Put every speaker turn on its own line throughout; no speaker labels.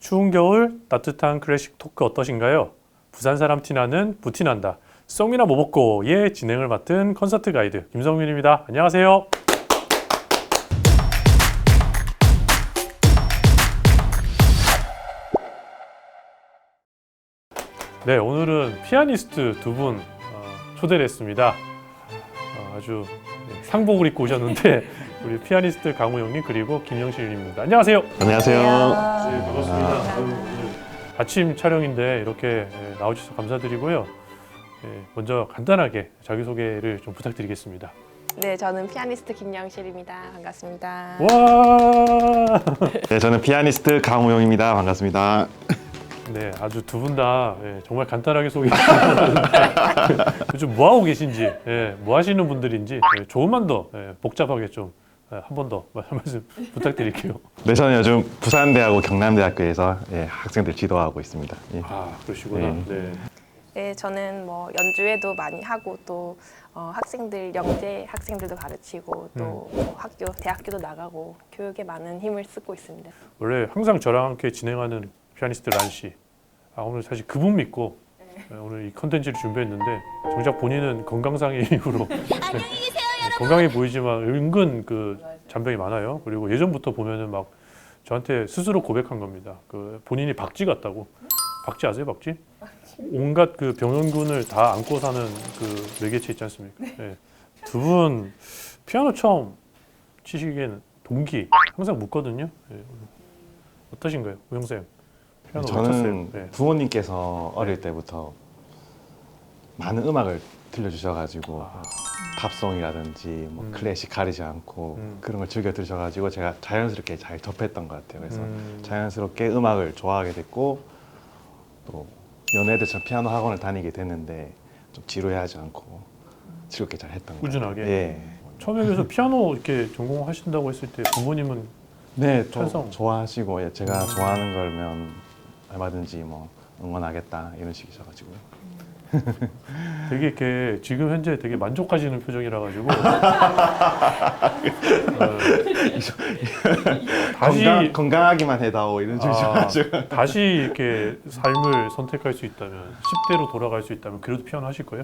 추운 겨울 따뜻한 클래식 토크 어떠신가요? 부산 사람 티나는 부티난다. 송이나 뭐 먹고의 진행을 맡은 콘서트 가이드 김성민입니다. 안녕하세요. 네, 오늘은 피아니스트 두 분 초대를 했습니다. 아주 상복을 입고 오셨는데 우리 피아니스트 강우영님 그리고 김영실님입니다. 안녕하세요.
안녕하세요.
네, 반갑습니다. 아침 촬영인데 이렇게 나와주셔서 감사드리고요. 먼저 간단하게 자기소개를 좀 부탁드리겠습니다.
네, 저는 피아니스트 김영실입니다. 반갑습니다.
와!
네, 저는 피아니스트 강우영입니다. 반갑습니다.
네, 아주 두 분 다 정말 간단하게 소개해 주셨는데 요즘 뭐 하고 계신지, 뭐 하시는 분들인지 조금만 더 복잡하게 좀 한 번 더 말씀 부탁드릴게요.
네, 저는 요즘 부산대하고 경남대학교에서 학생들 지도하고 있습니다. 예.
아, 그러시구나. 네.
네, 저는 뭐 연주회도 많이 하고 또 학생들 영재 학생들도 가르치고 또 뭐 학교 대학교도 나가고 교육에 많은 힘을 쓰고 있습니다.
원래 항상 저랑 함께 진행하는 피아니스트 란 씨. 오늘 사실 그분 믿고 오늘 이 컨텐츠를 준비했는데 정작 본인은 건강상의 이유로 건강해 보이지만 은근 그 잔병이 많아요. 그리고 예전부터 보면은 막 저한테 스스로 고백한 겁니다. 그 본인이 박쥐 같다고. 박쥐 아세요, 박쥐? 온갖 그 병원군을 다 안고 사는 그 매개체 있지 않습니까? 네. 두 분 피아노 처음 치시기에는 동기 항상 묻거든요. 네. 어떠신가요, 우영 쌤? 피아노
저는
네.
부모님께서 어릴 때부터 많은 음악을 들려주셔가지고 팝송이라든지 뭐 클래식 가리지 않고 그런 걸 즐겨 들으셔가지고 제가 자연스럽게 잘 접했던 것 같아요. 그래서 자연스럽게 음악을 좋아하게 됐고 또 연애들처럼 피아노 학원을 다니게 됐는데 좀 지루해하지 않고 즐겁게 잘 했던 것 같아요.
꾸준하게.
예.
처음에 그래서 피아노 이렇게 전공하신다고 했을 때 부모님은
네,
찬성.
좋아하시고 제가 좋아하는 걸면 얼마든지 뭐 응원하겠다 이런 식이셔가지고
되게 이렇게 지금 현재 되게 만족하시는 표정이라 가지고 다시
건강하기만 해다오 이런 식이셔가지고
다시 이렇게 삶을 선택할 수 있다면 10대로 돌아갈 수 있다면 그래도 피아노 하실 거예요?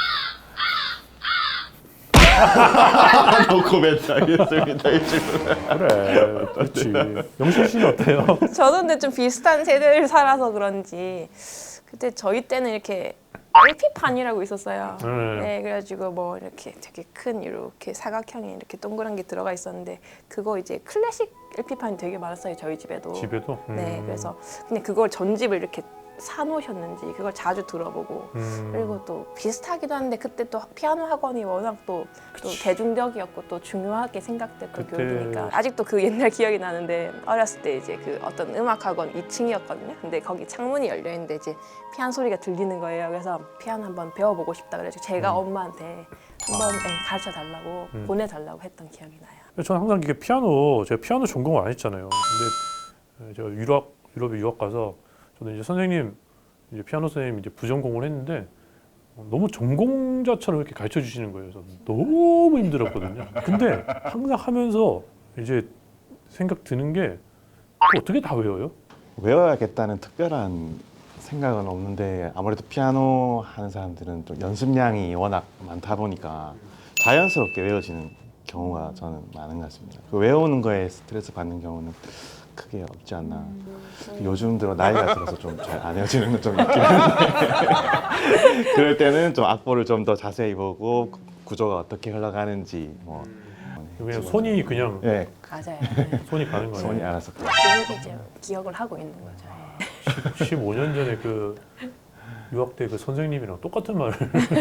노코멘트 하겠습니다. 이 질문.
그래, 그렇지. 영실 씨는 어때요?
저도 근데 좀 비슷한 세대를 살아서 그런지 그때 저희 때는 이렇게 LP판이라고 있었어요. 네, 그래가지고 뭐 이렇게 되게 큰 이렇게 사각형의 이렇게 동그란 게 들어가 있었는데 그거 이제 클래식 LP판이 되게 많았어요, 저희 집에도.
집에도?
네, 그래서 근데 그걸 전집을 이렇게 사놓으셨는지 그걸 자주 들어보고 그리고 또 비슷하기도 한데 그때 또 피아노 학원이 워낙 또 대중적이었고 또 중요하게 생각됐던
그때...
교육이니까 아직도 그 옛날 기억이 나는데 어렸을 때 이제 그 어떤 음악 학원 2층이었거든요. 근데 거기 창문이 열려 있는데 이제 피아노 소리가 들리는 거예요. 그래서 피아노 한번 배워보고 싶다 그래서 제가 엄마한테 한번 가르쳐 달라고 보내달라고 했던 기억이 나요.
저는 항상 이게 제가 피아노 전공을 안 했잖아요. 근데 제가 유럽에 유학 가서 저는 이제 선생님, 이제 피아노 선생님 이제 부전공을 했는데 너무 전공자처럼 이렇게 가르쳐 주시는 거예요. 그래서 너무 힘들었거든요. 근데 항상 하면서 이제 생각 드는 게 어떻게 다 외워요?
외워야겠다는 특별한 생각은 없는데 아무래도 피아노 하는 사람들은 좀 연습량이 워낙 많다 보니까 자연스럽게 외워지는 경우가 저는 많은 것 같습니다. 그 외우는 거에 스트레스 받는 경우는 크게 없지 않나. 요즘 들어 나이가 들어서 좀 잘 안 헤어지는 건 좀 있긴 한데 그럴 때는 좀 악보를 좀 더 자세히 보고 구조가 어떻게 흘러가는지 뭐
그냥 손이 그냥
맞아요.
손이 가는 거예요.
손이 알아서
이제 기억을 하고 있는 거죠.
15년 전에 그 유학 때 그 선생님이랑 똑같은 말을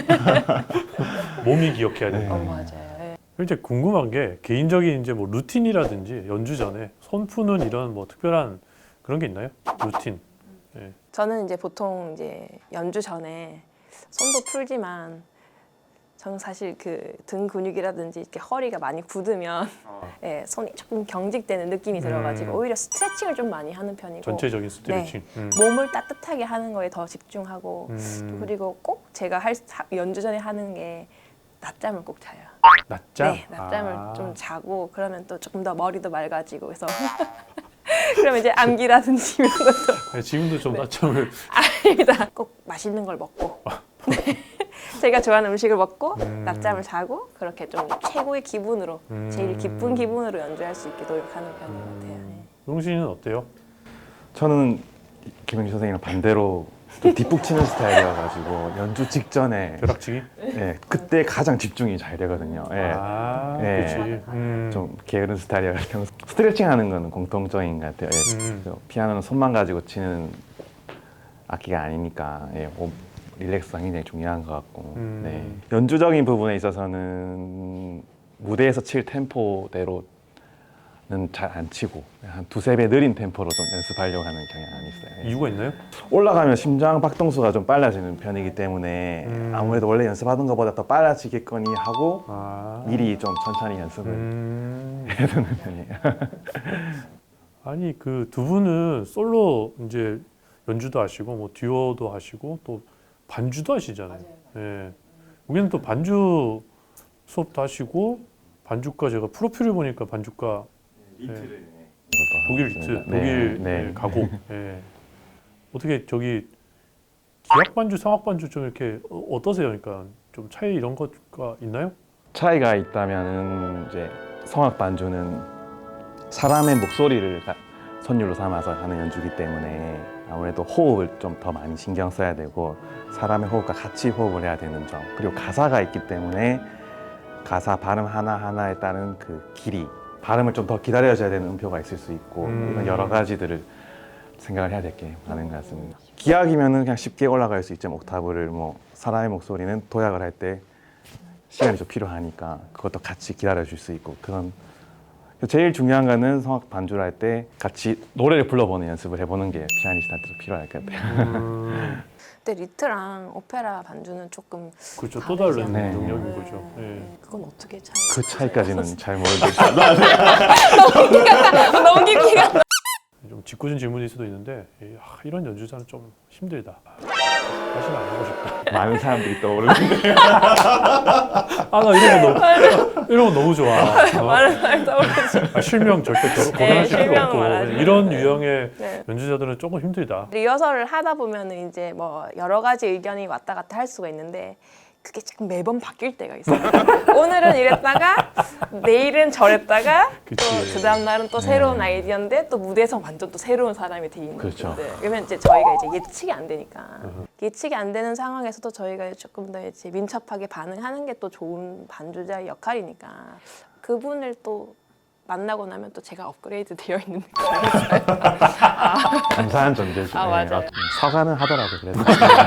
몸이 기억해야 되는 거예요.
맞아요.
이제 궁금한 게 개인적인 이제 뭐 루틴이라든지 연주 전에 손 푸는 이런 뭐 특별한 그런 게 있나요? 루틴.
저는 이제 보통 이제 연주 전에 손도 풀지만 저는 사실 그 등 근육이라든지 이렇게 허리가 많이 굳으면 손이 조금 경직되는 느낌이 들어가지고 오히려 스트레칭을 좀 많이 하는 편이고
전체적인 스트레칭.
몸을 따뜻하게 하는 거에 더 집중하고 그리고 꼭 제가 연주 전에 하는 게 낮잠을 꼭 자요.
낮잠?
네, 낮잠을 좀 자고 그러면 또 조금 더 머리도 맑아지고 그래서 그러면 이제 암기라든지 이런 것도
아니, 지금도 좀 낮잠을
아닙니다. 꼭 맛있는 걸 먹고 제가 좋아하는 음식을 먹고 낮잠을 자고 그렇게 좀 최고의 기분으로 제일 기쁜 기분으로 연주할 수 있게 노력하는 편인 것 같아요. 네.
용신은 어때요?
저는 김영주 선생님이랑 반대로 좀 뒷북 치는 스타일이어가지고 연주 직전에
벼락치기?
예, 그때 가장 집중이 잘 되거든요. 예.
아,
예.
그렇지.
좀 게으른 스타일이라 평소 스트레칭 하는 거는 공통적인 것 같아요. 예. 그래서 피아노는 손만 가지고 치는 악기가 아니니까 예, 릴렉스가 굉장히 중요한 것 같고 네. 연주적인 부분에 있어서는 무대에서 칠 템포대로는 잘 안 치고 한 두세 배 느린 템포로 좀 연습하려고 하는 경향이 있어요. 예.
이유가 있나요?
올라가면 심장 박동수가 좀 빨라지는 편이기 때문에 아무래도 원래 연습하던 것보다 더 빨라지겠거니 하고
아,
미리 좀 천천히 연습을 해야 되는 편이에요.
아니 그 두 분은 솔로 이제 연주도 하시고 뭐 듀오도 하시고 또 반주도 하시잖아요. 예. 우리는 또 반주 수업도 하시고 반주과 제가 프로필을 보니까 반주과 독일 리트, 독일 예, 가곡. 예. 어떻게 저기 기악 반주, 성악 반주 좀 이렇게 어떠세요? 그러니까 좀 차이 이런 것가 있나요?
차이가 있다면은 이제 성악 반주는 사람의 목소리를 선율로 삼아서 하는 연주기 때문에 아무래도 호흡을 좀 더 많이 신경 써야 되고 사람의 호흡과 같이 호흡을 해야 되는 점 그리고 가사가 있기 때문에 가사 발음 하나하나에 따른 그 길이 발음을 좀 더 기다려줘야 되는 음표가 있을 수 있고 이런 여러 가지들을 생각을 해야 될 게 많은 것 같습니다. 기악이면은 그냥 쉽게 올라갈 수 있죠. 옥타브를 뭐 사람의 목소리는 도약을 할 때 시간이 좀 필요하니까 그것도 같이 기다려줄 수 있고 그런 제일 중요한 거는 성악 반주를 할 때 같이 노래를 불러보는 연습을 해보는 게 피아니스트한테도 필요할 것 같아요.
근데 리트랑 오페라 반주는 조금
그렇죠. 또 다른
네.
능력인 거죠. 예.
그건 어떻게 차이?
그 차이까지는 잘 모르겠어요.
너무 깊게 가.
좀 짓궂은 질문일 수도 있는데 이런 연주자는 좀 힘들다. 다시는 안 하고 싶다.
많은 사람들이 떠오르는데
아 나 이런 거 너무 좋아.
말을 떠오르지.
실명 절대 거론하실 필요
실명은
없고
말하지
이런 유형의
네.
연주자들은 조금 힘들다.
리허설을 하다 보면은 이제 뭐 여러 가지 의견이 왔다 갔다 할 수가 있는데 그게 참 매번 바뀔 때가 있어요. 오늘은 이랬다가 내일은 저랬다가 또
그치.
그 다음 날은 또 새로운 아이디어인데 또 무대에서 완전 또 새로운 사람이 돼 있는
그렇죠.
건데 그러면 이제 저희가 이제 예측이 안 되니까 예측이 안 되는 상황에서도 저희가 조금 더 이제 민첩하게 반응하는 게 또 좋은 반주자의 역할이니까 그분을 또 만나고 나면 또 제가 업그레이드 되어 있는 느낌이
감사한 존재죠.
아, 맞아요.
사과는 하더라도 그래도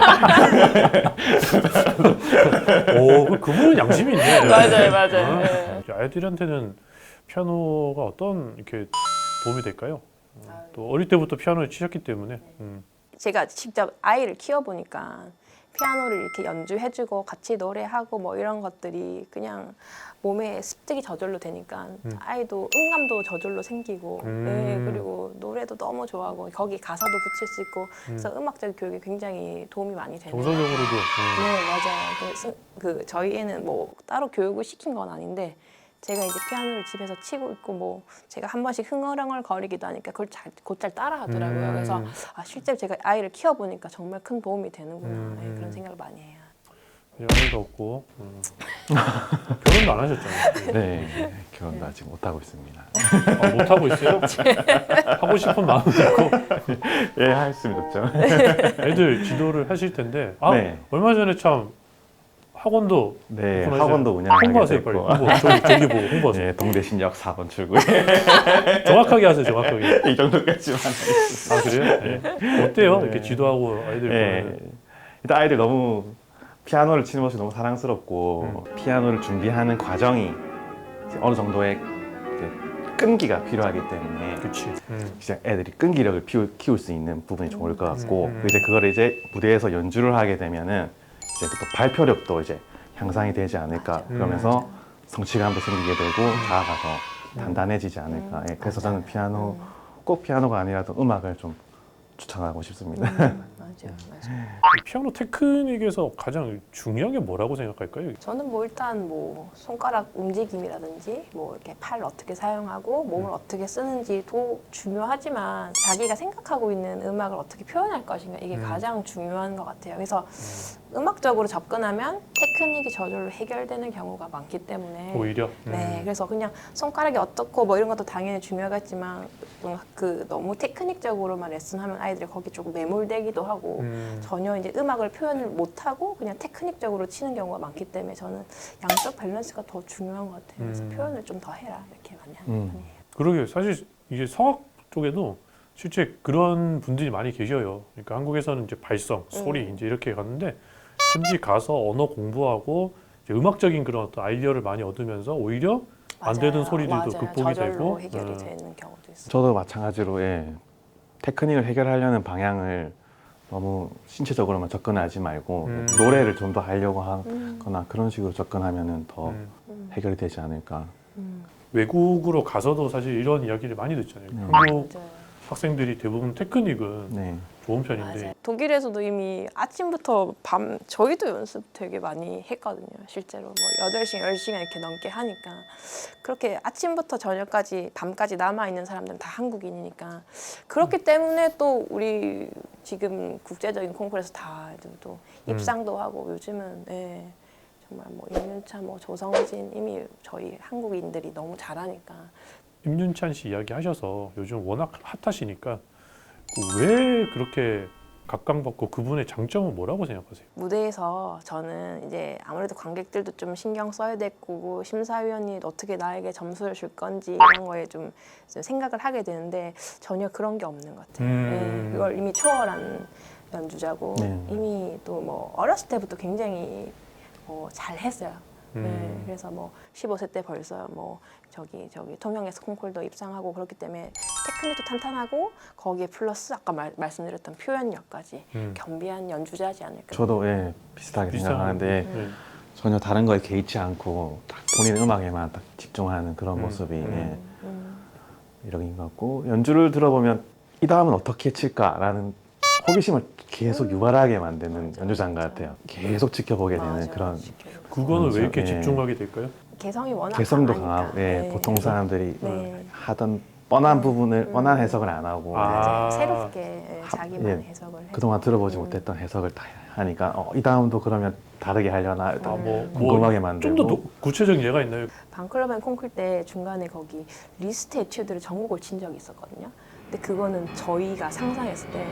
오, 그분은 양심이 있네.
맞아요. 네.
아이들한테는 피아노가 어떤 이렇게 도움이 될까요? 또 어릴 때부터 피아노를 치셨기 때문에.
제가 직접 아이를 키워보니까 피아노를 이렇게 연주해주고 같이 노래하고 뭐 이런 것들이 그냥 몸에 습득이 저절로 되니까 아이도 음감도 저절로 생기고 네, 그리고 노래도 너무 좋아하고 거기 가사도 붙일 수 있고 그래서 음악적 교육에 굉장히 도움이 많이 되는
정서적으로도.
네 맞아요. 그래서 그 저희 애는 뭐 따로 교육을 시킨 건 아닌데 제가 이제 피아노를 집에서 치고 있고 뭐 제가 한 번씩 흥얼흥얼 거리기도 하니까 그걸 곧잘 따라하더라고요. 그래서 실제로 제가 아이를 키워보니까 정말 큰 도움이 되는구나 네, 그런 생각을 많이 해요.
아이가 없고 결혼도 안 하셨잖아요.
네 결혼도 아직 못 하고 있습니다.
못 하고 있어요? 하고 싶은 마음이 있고
예, 했으면 좋죠.
애들 지도를 하실 텐데
네.
얼마 전에 참 학원도
네,
오픈하셔.
학원도 운영하게
홍보하세요 빨리.
됐고.
저기 보고 홍보하세요.
네, 동대신역 4번 출구
정확하게 하세요. 정확하게.
이 정도까지만 하겠습니다.
아 그래요? 네. 어때요?
네.
이렇게 지도하고 아이들
네,
보면.
일단 아이들 너무 피아노를 치는 모습이 너무 사랑스럽고 피아노를 준비하는 과정이 이제 어느 정도의 이제 끈기가 필요하기 때문에
그렇지.
이제 애들이 끈기력을 키울 수 있는 부분이 좋을 것 같고 이제 그걸 이제 무대에서 연주를 하게 되면은 이제 또 발표력도 이제 향상이 되지 않을까 그러면서 성취감도 생기게 되고 자아가 더 단단해지지 않을까. 예, 그래서 저는 피아노 꼭 피아노가 아니라도 음악을 좀 추천하고 싶습니다.
맞아요, 맞아요.
이 피아노 테크닉에서 가장 중요한 게 뭐라고 생각할까요?
저는 뭐 일단 뭐 손가락 움직임이라든지 뭐 이렇게 팔 어떻게 사용하고 몸을 어떻게 쓰는지도 중요하지만 자기가 생각하고 있는 음악을 어떻게 표현할 것인가 이게 가장 중요한 것 같아요. 그래서 음악적으로 접근하면 테크닉이 저절로 해결되는 경우가 많기 때문에
오히려
네, 그래서 그냥 손가락이 어떻고 뭐 이런 것도 당연히 중요하겠지만 그 너무 테크닉적으로만 레슨하면 아이들이 거기 조금 매몰되기도 하고 전혀 이제 음악을 표현을 못하고 그냥 테크닉적으로 치는 경우가 많기 때문에 저는 양쪽 밸런스가 더 중요한 것 같아요. 그래서 표현을 좀 더 해라 이렇게 많이 하는 편이에요.
그러게 사실 이게 성악 쪽에도 실제 그런 분들이 많이 계셔요. 그러니까 한국에서는 이제 발성, 소리 이제 이렇게 갔는데 현지 가서 언어 공부하고 이제 음악적인 그런 어떤 아이디어를 많이 얻으면서 오히려 안 되는
맞아요.
소리들도
맞아요.
극복이
저절로
되고
해결이 되는 경우도 있어요.
저도 마찬가지로 테크닉을 해결하려는 방향을 너무 신체적으로만 접근하지 말고 노래를 좀 더 하려고 하거나 그런 식으로 접근하면은 더 해결이 되지 않을까.
외국으로 가서도 사실 이런 이야기를 많이 듣잖아요. 한국
맞아요.
학생들이 대부분 테크닉은
네.
좋은 편인데
맞아요. 독일에서도 이미 아침부터 밤 저희도 연습 되게 많이 했거든요. 실제로 뭐 8시간, 10시간 이렇게 넘게 하니까 그렇게 아침부터 저녁까지 밤까지 남아 있는 사람들은 다 한국인이니까 그렇기 때문에 또 우리 지금 국제적인 콩쿠르에서 다 또 입상도 하고 요즘은 정말 뭐 임윤찬, 뭐 조성진 이미 저희 한국인들이 너무 잘하니까
임윤찬 씨 이야기 하셔서 요즘 워낙 핫하시니까 왜 그렇게 각광받고 그분의 장점은 뭐라고 생각하세요?
무대에서 저는 이제 아무래도 관객들도 좀 신경 써야 될 거고 심사위원이 어떻게 나에게 점수를 줄 건지 이런 거에 좀 생각을 하게 되는데 전혀 그런 게 없는 것 같아요. 그걸 이미 초월한 연주자고 이미 또 뭐 어렸을 때부터 굉장히 잘했어요. 그래서 뭐 15세 때 벌써 뭐 저기 통영에서 콩쿨도 입상하고 그렇기 때문에 테크닉도 탄탄하고 거기에 플러스 아까 말씀드렸던 표현력까지 겸비한 연주자지 않을까.
저도 비슷하게 생각하는데 전혀 다른 거에 개의치 않고 딱 본인 음악에만 딱 집중하는 그런 모습이 이런 것 같고 연주를 들어보면 이 다음은 어떻게 칠까라는 호기심을 계속 유발하게 만드는 연주자인 것 같아요. 계속 지켜보게 되는
맞아요.
그런
그거는 왜 이렇게
예.
집중하게 될까요?
개성이 워낙
개성도
강하니까.
강하고 보통 사람들이
네.
하던 뻔한 부분을 뻔한 해석을 안 하고
아.
새롭게 자기만의 해석을 해서
그동안 들어보지 못했던 해석을 다 하니까 이 다음도 그러면 다르게 하려나 궁금하게 만들고
좀 더 구체적인 예가 있나요?
방클럽 앤 콩쿨 때 중간에 거기 리스트 에튜드를 전곡을 친 적이 있었거든요. 근데 그거는 저희가 상상했을 때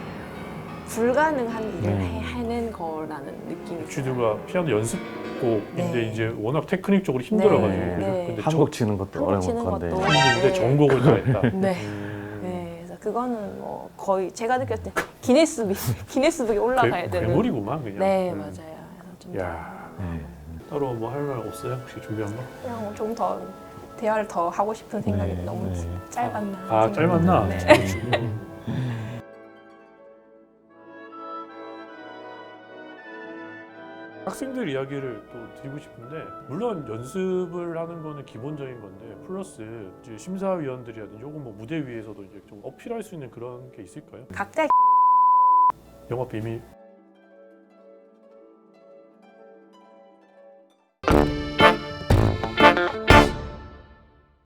불가능한 일을 해낸 거라는 느낌이
쥐드가 피아노 연습곡인데
네.
이제 워낙 테크닉적으로 힘들어가지고
네.
근데
한국 치는 것도
한국
어려운
치는
건데
것도
근데 전곡을 다 했다.
네. 네, 그래서 그거는 뭐 거의 제가 느꼈을 때 기네스북에 올라가야 되는.
괴물이구만 그냥.
네, 맞아요. 그래서 좀
야.
더
따로 뭐 할 말 없어요? 혹시 준비한 거?
그냥 좀 더 대화를 더 하고 싶은 생각이 너무 짧았나.
아 짧았나?
네.
학생들 이야기를 또 드리고 싶은데 물론 연습을 하는 거는 기본적인 건데 플러스 이제 심사위원들이라든지 혹은 뭐 무대 위에서도 이제 좀 어필할 수 있는 그런 게 있을까요?
각자
영업 비밀